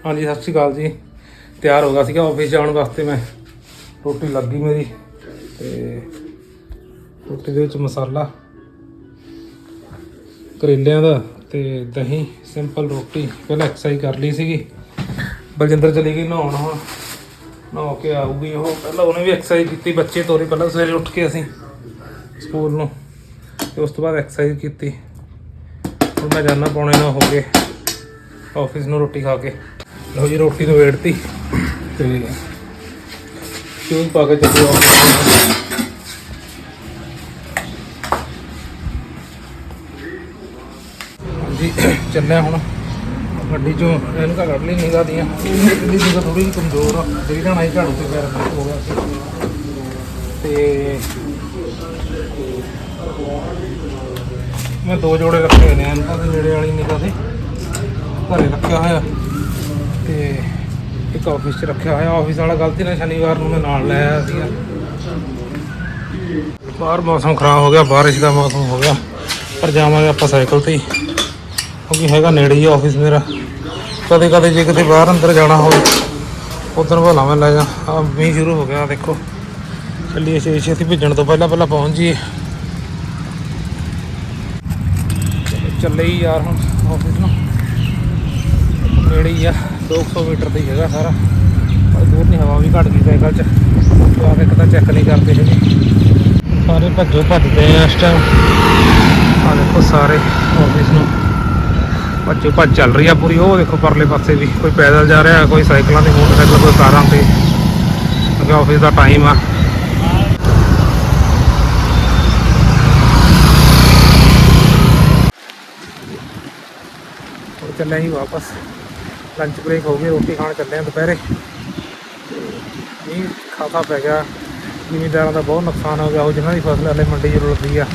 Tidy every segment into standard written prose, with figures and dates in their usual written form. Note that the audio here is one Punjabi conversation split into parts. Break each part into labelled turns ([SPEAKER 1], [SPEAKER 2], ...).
[SPEAKER 1] हाँ जी सत श्री अकाल जी। तैयार हो गया सीगा ऑफिस जाने वास्ते। मैं रोटी लग गई मेरी ते रोटी दे विच मसाला करेलियां दा ते दही सिंपल रोटी। पहले एक्सरसाइज कर ली सीगी। बलजिंदर चली गई नहाउण, हुण नहा के आऊगी वो। पहले उन्हें भी एक्सरसाइज की, बच्चे तोरे पहले सवेरे उठ के असीं स्कूल नूं ते उस तो बाद एक्सरसाइज की। हुण मैं जाना 8:45 हो गए ऑफिस नूं रोटी खा के। लो जी रोटी तो वेड़ती तो शूज पा के चले हाँ जी चले हूँ गड्डी चों इनका कढ़ ली निगाह दियाँ। निगाह थोड़ी जी कमजोर आ, जी जाना ही झाड़ू से पैर हो गया मैं 2 जोड़े रखे हुए हैं इनका नेड़े वाली निगाह से घरे रखा होया ते एक ऑफिस च रखा होया। ऑफिस वाला गलती ना शनिवार को मैं नाल लै आया सीगा। बाहर मौसम खराब हो गया, बारिश का मौसम हो गया, पर जावांगे आपां साइकिल ते ही क्योंकि हैगा नेड़े ही ऑफिस मेरा। कदे कदे जे किते बाहर अंदर जाना हो उधर भला मैं लै जा। मींह शुरू हो गया देखो। चलिए छेती भेजण तो पहला पहुँच जाइए। चले ही यार हम ऑफिस ना नेड़े ही आ, 200 मीटर का ही है सारा। पर दूर नहीं, हवा भी घट गई साइकिल च। तो आके एक चेक नहीं करते है सारे भज्जो भजते हैं इस टाइम। आ देखो सारे ऑफिस में भज्जो भज चल रही है पूरी। वो देखो परले पासे भी कोई पैदल जा रहा है, कोई साइकिलों से, मोटरसाइकिल, कोई कारां से, क्योंकि ऑफिस का टाइम आ। चले ही वापस, लंच ब्रेक हो गई, रोटी खाने चले हैं दोपहरे। मींह खासा पै गया, जिमींदारों का बहुत नुकसान हो गया। वो जिन्हों की फसल हले मंडी जरूर लगी है।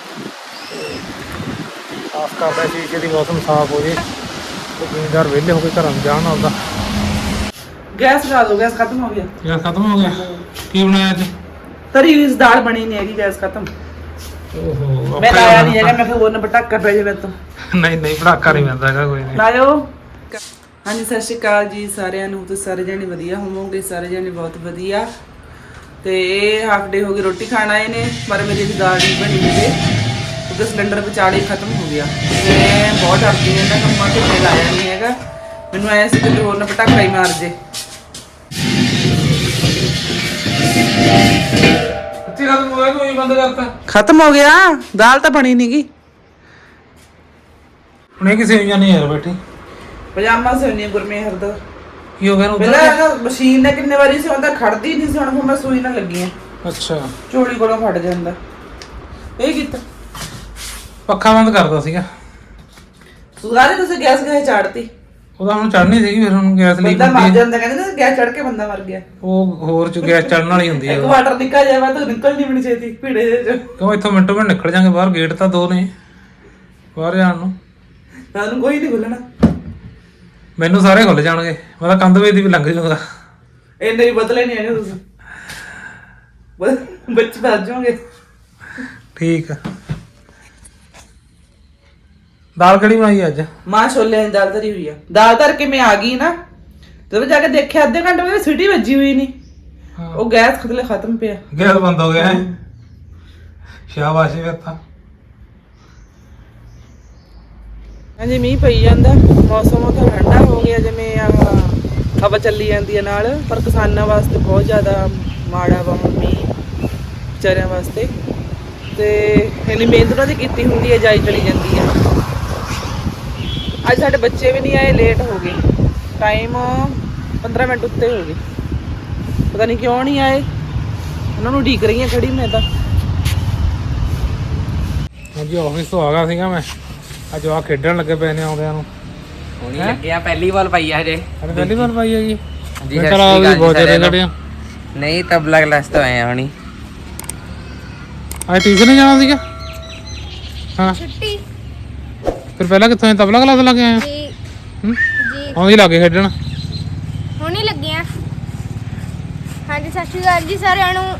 [SPEAKER 1] आस करता शीशे की मौसम साफ हो जाए तो जिमींदार वेले होकर घर में जान आता।
[SPEAKER 2] गैस लगा दो, गैस खत्म हो गया।
[SPEAKER 1] गैस खत्म हो गया? की बनाया अज?
[SPEAKER 2] तरी हुई दाल बनी नहीं है, गैस खत्म।
[SPEAKER 1] ओहो
[SPEAKER 2] मैं लाया नहीं है, मैं फिर वो ना पटाका पे जावे तो
[SPEAKER 1] नहीं पटाका नहीं पैंदा हैगा कोई नहीं।
[SPEAKER 2] लायो। हाँ जी सत श्री अकाल जी सारिਆਂ ਨੂੰ। ਤੁਸੀਂ ਸਾਰੇ ਜਣੇ ਵਧੀਆ ਹੋਵੋਗੇ, ਸਾਰੇ ਜਣੇ ਬਹੁਤ ਵਧੀਆ। ਤੇ ਇਹ ਹਾਫ ਡੇ ਹੋ ਗਈ ਰੋਟੀ ਖਾਣ ਆਏ ਨੇ, ਪਰ ਮੇਰੀ ਦੀ ਦਾਲ ਨਹੀਂ ਬਣੀ ਹਜੇ ਕਿਉਂਕਿ ਸਿਲੰਡਰ ਵਿਚਾਲੇ ਖਤਮ ਹੋ ਗਿਆ। ਮੈਂ ਬਹੁਤ ਡਰਦੀ ਹਾਂ ਇਹਨਾਂ ਕੰਮਾਂ ਤੇ, ਮੈਂ ਲਾਇਆ ਨਹੀਂ ਹੈਗਾ। ਮੈਨੂੰ ਆਇਆ ਸੀ ਕਿ ਹੋਰ ਨਾ ਪਟਾਕਾ ਹੀ ਮਾਰ ਜੇ। खत्म हो गया, दाल तो बनी नहीं गई।
[SPEAKER 1] उन्हें किसी नहीं यार बैठी
[SPEAKER 2] पजामा से नहीं गुरमेहर दा
[SPEAKER 1] की हो गया
[SPEAKER 2] पहला मशीन ने कितने बारी से ਹੁੰਦਾ ਖੜਦੀ ਨਹੀਂ ਸੀ, ਹੁਣ ਮੈਂ ਸੂਈ ਨਾਲ ਲੱਗੀ ਆ।
[SPEAKER 1] ਅੱਛਾ
[SPEAKER 2] ਚੋਲੀ ਕੋਲੋਂ ਫਟ ਜਾਂਦਾ। ਇਹ ਕੀਤਾ
[SPEAKER 1] ਪੱਖਾ ਬੰਦ ਕਰਦਾ ਸੀਗਾ।
[SPEAKER 2] ਸੁਗਾਰੇ ਤੁਸੀਂ ਗੈਸ ਗਏ ਚਾੜਤੀ।
[SPEAKER 1] ਉਹਦਾ ਹੁਣ ਚੜਨੀ ਸੀਗੀ, ਫਿਰ ਹੁਣ ਗੈਸ ਲਈ
[SPEAKER 2] ਬੰਦਾ ਮਰ ਜਾਂਦਾ, ਕਹਿੰਦੇ ਨਾ ਗੈਸ ਚੜ ਕੇ ਬੰਦਾ ਮਰ ਗਿਆ।
[SPEAKER 1] ਉਹ ਹੋਰ ਚ ਗੈਸ ਚੜਨ ਵਾਲੀ ਹੁੰਦੀ ਹੈ।
[SPEAKER 2] ਇੱਕ ਵਾਟਰ ਨਿਕਲ ਜਾਵਾ ਤਾਂ ਨਿਕਲ ਨਹੀਂ ਬਣੀ ਛੇਤੀ ਭੀੜੇ ਜੇ ਚ।
[SPEAKER 1] ਕਿਉਂ ਇੱਥੋਂ ਮਿੰਟੋ ਮਿੰਟ ਨਿਕਲ ਜਾਾਂਗੇ ਬਾਹਰ, ਗੇਟ ਤਾਂ 2 ਨੇ ਬਾਹਰ ਜਾਣ ਨੂੰ।
[SPEAKER 2] ਤੁਹਾਨੂੰ ਕੋਈ ਨਹੀਂ ਖੁੱਲਣਾ,
[SPEAKER 1] ਮੈਨੂੰ ਸਾਰੇ ਖੁੱਲ ਜਾਣਗੇ। ਮੈਂ ਤਾਂ ਕੰਧ ਵੇਚ ਦੀ ਵੀ ਲੰਘ ਜਾਊਂਗਾ।
[SPEAKER 2] ਇੰਨੇ ਵੀ ਬਦਲੇ ਨਹੀਂ ਹੈਗੇ ਤੁਸੀਂ, ਬੱਚ ਭੱਜ ਜਾਓਗੇ।
[SPEAKER 1] ਠੀਕ ਆ। ਦਾਲ ਕਿਹੜੀ ਬਣਾਈ ਅੱਜ?
[SPEAKER 2] ਮਾਂ ਛੋਲੇ ਦੀ ਦਾਲ ਧਰੀ ਹੋਈ ਆ। ਦਾਲ ਧਰ ਕੇ ਮੈਂ ਆ ਗਈ ਨਾ, ਜਦੋਂ ਜਾ ਕੇ ਦੇਖਿਆ ਅੱਧੇ ਘੰਟੇ ਬਾਅਦ ਸੀਟੀ ਵੱਜੀ ਹੋਈ ਨਹੀਂ। ਉਹ ਗੈਸ ਖਤਲੇ ਖਤਮ ਪਿਆ,
[SPEAKER 1] ਗੈਸ ਬੰਦ ਹੋ ਗਿਆ ਹੈ। ਸ਼ਾਬਾਸ਼ ਫਿਰ ਤਾਂ।
[SPEAKER 2] ਹਾਂਜੀ ਮੀਂਹ ਪਈ ਜਾਂਦਾ, ਮੌਸਮ ਤਾਂ ਠੰਡਾ ਹੋ ਗਿਆ, ਜਿਵੇਂ ਹਵਾ ਚੱਲੀ ਜਾਂਦੀ ਹੈ ਨਾਲ। ਪਰ ਕਿਸਾਨਾਂ ਵਾਸਤੇ ਬਹੁਤ ਜ਼ਿਆਦਾ ਮਾੜਾ ਵਾ ਮੀਂਹ, ਵਿਚਾਰਿਆਂ ਵਾਸਤੇ। ਤੇ ਇੰਨੀ ਮਿਹਨਤ ਉਹਨਾਂ ਦੀ ਕੀਤੀ ਹੁੰਦੀ ਹੈ, ਜਾਈ ਚਲੀ ਜਾਂਦੀ ਹੈ। ਅੱਜ ਸਾਡੇ ਬੱਚੇ ਵੀ ਨਹੀਂ ਆਏ, ਲੇਟ ਹੋ ਗਏ। ਟਾਈਮ 15 ਮਿੰਟ ਉੱਤੇ ਹੋ ਗਏ, ਪਤਾ ਨਹੀਂ ਕਿਉਂ ਨਹੀਂ ਆਏ। ਉਹਨਾਂ ਨੂੰ ਉਡੀਕ ਰਹੀ ਹਾਂ ਖੜੀ ਮੈਂ ਤਾਂ।
[SPEAKER 1] ਹਾਂਜੀ ਆਫਿਸ ਤੋਂ ਆ ਗਿਆ ਸੀਗਾ ਮੈਂ। ਅੱਜ ਆ ਖੇਡਣ ਲੱਗੇ ਪਏ ਨੇ ਆਉਂਦਿਆਂ ਨੂੰ।
[SPEAKER 3] ਹੁਣੀ ਲੱਗਿਆ, ਪਹਿਲੀ ਬਾਲ ਪਾਈ ਆ ਹਜੇ।
[SPEAKER 1] ਅਰੇ ਪਹਿਲੀ ਵਾਰ ਪਾਈ ਹੈਗੀ
[SPEAKER 3] ਜੀ?
[SPEAKER 1] ਬਹੁਤ ਜ਼ਿਆਦਾ ਖੜਿਆ।
[SPEAKER 3] ਨਹੀਂ ਤਬਲਾ ਕਲਾਸ ਤੋਂ ਆਏ ਆ ਹੁਣੀ।
[SPEAKER 1] ਅੱਜ ਟਿਊਸ਼ਨ ਨਹੀਂ ਜਾਣਾ ਸੀਗਾ? ਹਾਂ
[SPEAKER 4] ਛੁੱਟੀ।
[SPEAKER 1] ਫਿਰ ਪਹਿਲਾਂ ਕਿੱਥੋਂ ਤਬਲਾ ਕਲਾਸ ਲੱਗ ਆਏ?
[SPEAKER 4] ਜੀ
[SPEAKER 1] ਆਉਂਦੀ ਲੱਗੇ ਖੇਡਣ।
[SPEAKER 4] ਹੁਣੇ ਲੱਗੇ ਆ। ਹਾਂਜੀ ਸਤਿ ਸ਼੍ਰੀ ਅਕਾਲ ਜੀ ਸਾਰਿਆਂ ਨੂੰ।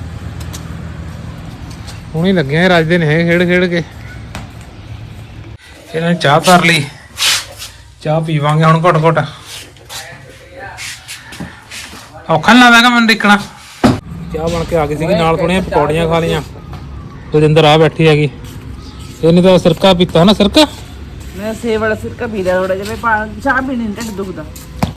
[SPEAKER 1] ਹੁਣੇ ਲੱਗੇ ਆ, ਰੱਜਦੇ ਨੇ ਖੇਡ ਕੇ। ਇਹਨਾਂ ਨੇ ਚਾਹ ਧਰ ਲਈ, ਚਾਹ ਪੀਵਾਂਗੇ ਹੁਣ ਘੁੱਟ ਘੁੱਟ। ਔਖਾ ਨੀ ਲੱਗਦਾ ਮੈਨੂੰ ਦੇਖਣਾ। ਚਾਹ ਬਣ ਕੇ ਆ ਗਈ ਸੀਗੀ, ਨਾਲ ਥੋੜੀਆਂ ਪਕੌੜੀਆਂ ਖਾ ਲਈਆਂ। ਰਜਿੰਦਰ ਆ ਬੈਠੀ ਹੈਗੀ, ਇਹਨੇ ਤਾਂ ਸਿਰਕਾ ਪੀਤਾ ਨਾ। ਸਿਰਕਾ
[SPEAKER 2] ਮੈਂ ਸੇਬ ਵਾਲਾ ਸਿਰਕਾ ਪੀ ਲਿਆ ਥੋੜਾ ਜਿਹਾ, ਚਾਹ ਪੀਣੀ ਨੀ ਢਿੱਡ ਦੁਖਦਾ।